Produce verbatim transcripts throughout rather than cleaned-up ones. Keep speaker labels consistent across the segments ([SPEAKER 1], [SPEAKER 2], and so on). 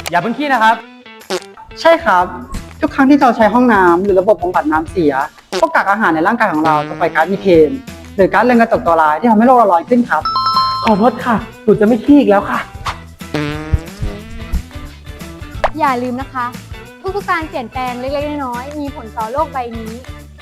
[SPEAKER 1] อย่าเพิ่งขี้นะครับ
[SPEAKER 2] ใช่ครับทุกครั้งที่เราใช้ห้องน้ำหรือระบบบำบัดน้ำเสียพวกกากอาหารในร่างกายของเราจะปล่อยก๊าซมีเทนหรือก๊าซเรือนกระจกตัวร้ายที่ทำให้โลกเราร้อนขึ้นครับ
[SPEAKER 1] ขอโทษค่ะหนูจะไม่ขี้อีกแล้วค่ะ
[SPEAKER 3] อย่าลืมนะคะทุกๆการเปลี่ยนแปลงเล็กๆน้อยๆมีผลต่อโลกใบนี้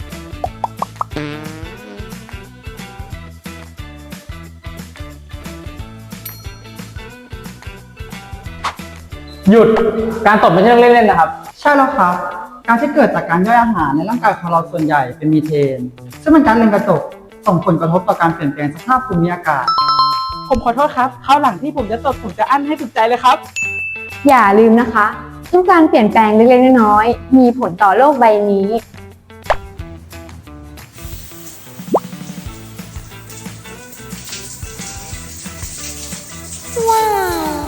[SPEAKER 1] หยุดการตดไม่ใช่เรื่องเล่นๆนะครับ
[SPEAKER 2] ใช่แล้วครับการที่เกิดจากการย่อยอาหารในร่างกายของเราส่วนใหญ่เป็นมีเทนซึ่งเป็นก๊าซเรือนกระจกส่งผลกระทบต่อการเปลี่ยนแปลงสภาพภูมิอากาศ
[SPEAKER 4] ผมขอโทษครับคราวหลังที่ผมจะตดผมจะอั้นให้สุดใจเลยครับ
[SPEAKER 3] อย่าลืมนะคะทุกการเปลี่ยนแปลงเล็กๆน้อยๆมีผลต่อโลกใบนี้ว้าว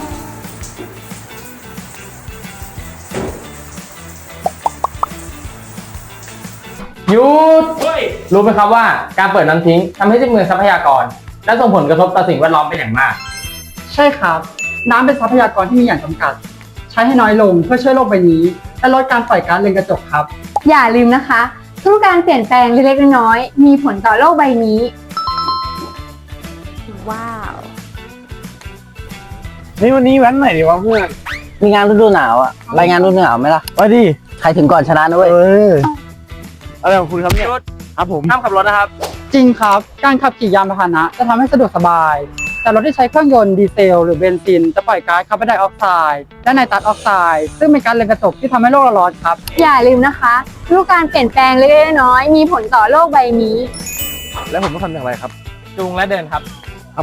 [SPEAKER 1] หยุดรู้ไหมครับว่าการเปิดน้ำทิ้งทำให้สิ้นเปลืองทรัพยากรและส่งผลกระทบต่อสิ่งแวดล้อมเป็นอย่างมาก
[SPEAKER 2] ใช่ครับน้ำเป็นทรัพยากรที่มีอย่างจำกัดใช้ให้น้อยลงเพื่อช่วยโลกใบนี้และลดการปล่อยก๊าซเรือนกระจกครับ
[SPEAKER 3] อย่าลืมนะคะทุกการเปลี่ยนแปลงเล็กๆน้อยๆมีผลต่อโลกใบนี้ว้าว
[SPEAKER 4] นี่วันนี้แว้นไหนดีวะเพื่อน
[SPEAKER 5] มีงานฤดูหนาวอะรายงานฤดูหนาวไหมล่ะ
[SPEAKER 4] ไปดิ
[SPEAKER 5] ใครถึงก่อนชนะนะเว้ย
[SPEAKER 4] เอออะไรของคุณครับเนี่ยครับผม
[SPEAKER 1] ห้ามขับรถนะครับ
[SPEAKER 2] จริงครับการขับขี่ยานพาหนะจะทำให้สะดวกสบายแต่รถที่ใช้เครื่องยนต์ดีเซลหรือเบนซินจะปล่อยก๊าซคาร์บอนไดออกไซด์และไนตรัสออกไซด์ซึ่งเป็นก๊าซเรือนกระจกที่ทำให้โลกเราร้อนครับ
[SPEAKER 3] อย่าลืมนะคะทุกการเปลี่ยนแปลงเล็กๆน้อยๆมีผลต่อโลกใบนี้
[SPEAKER 4] แล้วผมต้องทำอย่างไรครับ
[SPEAKER 1] จูงและเดินครับ
[SPEAKER 4] ครับ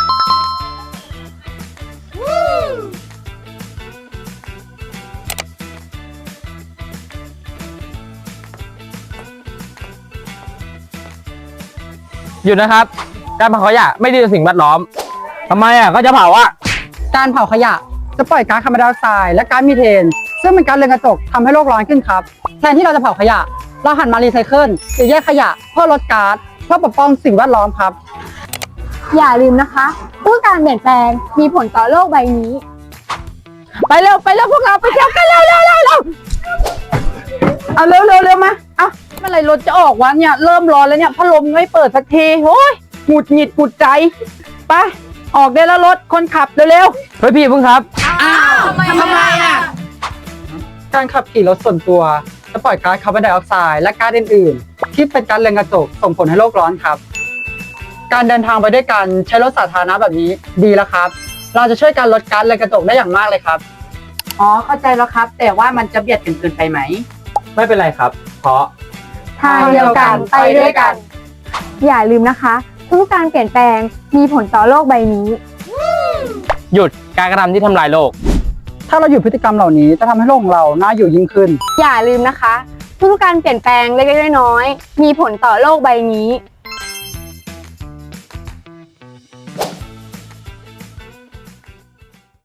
[SPEAKER 1] หยุดนะครับการเผาขยะไม่ดีต่อสิ่งแวดล้อมทำไมอ่ะก็จะเผาอ่ะ
[SPEAKER 2] การเผาขยะจะปล่อยก๊าซคาร์บอนไดออกไซด์และก๊าซมีเทนซึ่งเป็นก๊าซเรือนกระจกทำให้โลกร้อนขึ้นครับแทนที่เราจะเผาขยะเราหันมารีไซเคิลหรือแยกขยะเพื่อลดก๊าซเพื่อปกป้องสิ่งแวดล้อมครับ
[SPEAKER 3] อย่าลืมนะคะทุกการเปลี่ยนแปลงมีผลต่อโลกใบนี้
[SPEAKER 4] ไปเร็วไปเร็วพวกเราไปเที่ยวกันเร็วเร็วเร็วเร็วเอาเร็วเร็วเร็วมาเอาเมื่อไรรถจะออกวะเนี่ยเริ่มร้อนแล้วเนี่ยพัดลมไม่เปิดสักทีโอ้ยหงุดหงิดหงุดใจไปออกได้แล้วรถคนขับเร็ว
[SPEAKER 1] เฮ้ยพี่เพิ่งครับ
[SPEAKER 4] อ้าวทำไมทำไมอ่ะ
[SPEAKER 2] การขับขี่รถส่วนตัวจะปล่อยก๊าซคาร์บอนไดออกไซด์และก๊าซอื่นๆที่เป็นก๊าซเรือนกระจกส่งผลให้โลกร้อนครับการเดินทางไปด้วยกันใช้รถสาธารณะแบบนี้ดีแล้วครับเราจะช่วยการลดก๊าซเรือนกระจกได้อย่างมากเลยครับ
[SPEAKER 4] อ๋อเข้าใจแล้วครับแต่ว่ามันจะเบียดกันเกินไปไหม
[SPEAKER 1] ไม่เป็นไรครับเพราะ
[SPEAKER 3] ทางเดียวกันไปด้วยกันอย่าลืมนะคะทุกการเปลี่ยนแปลงมีผลต่อโลกใบนี้
[SPEAKER 1] หยุดการกระทำที่ทำลายโลก
[SPEAKER 2] ถ้าเราหยุดพฤติกรรมเหล่านี้จะทำให้โลกของเราน่าอยู่ยิ่งขึ้น
[SPEAKER 3] อย่าลืมนะคะทุกการเปลี่ยนแปลงเล็กๆน้อยๆมีผลต่อโลกใบนี้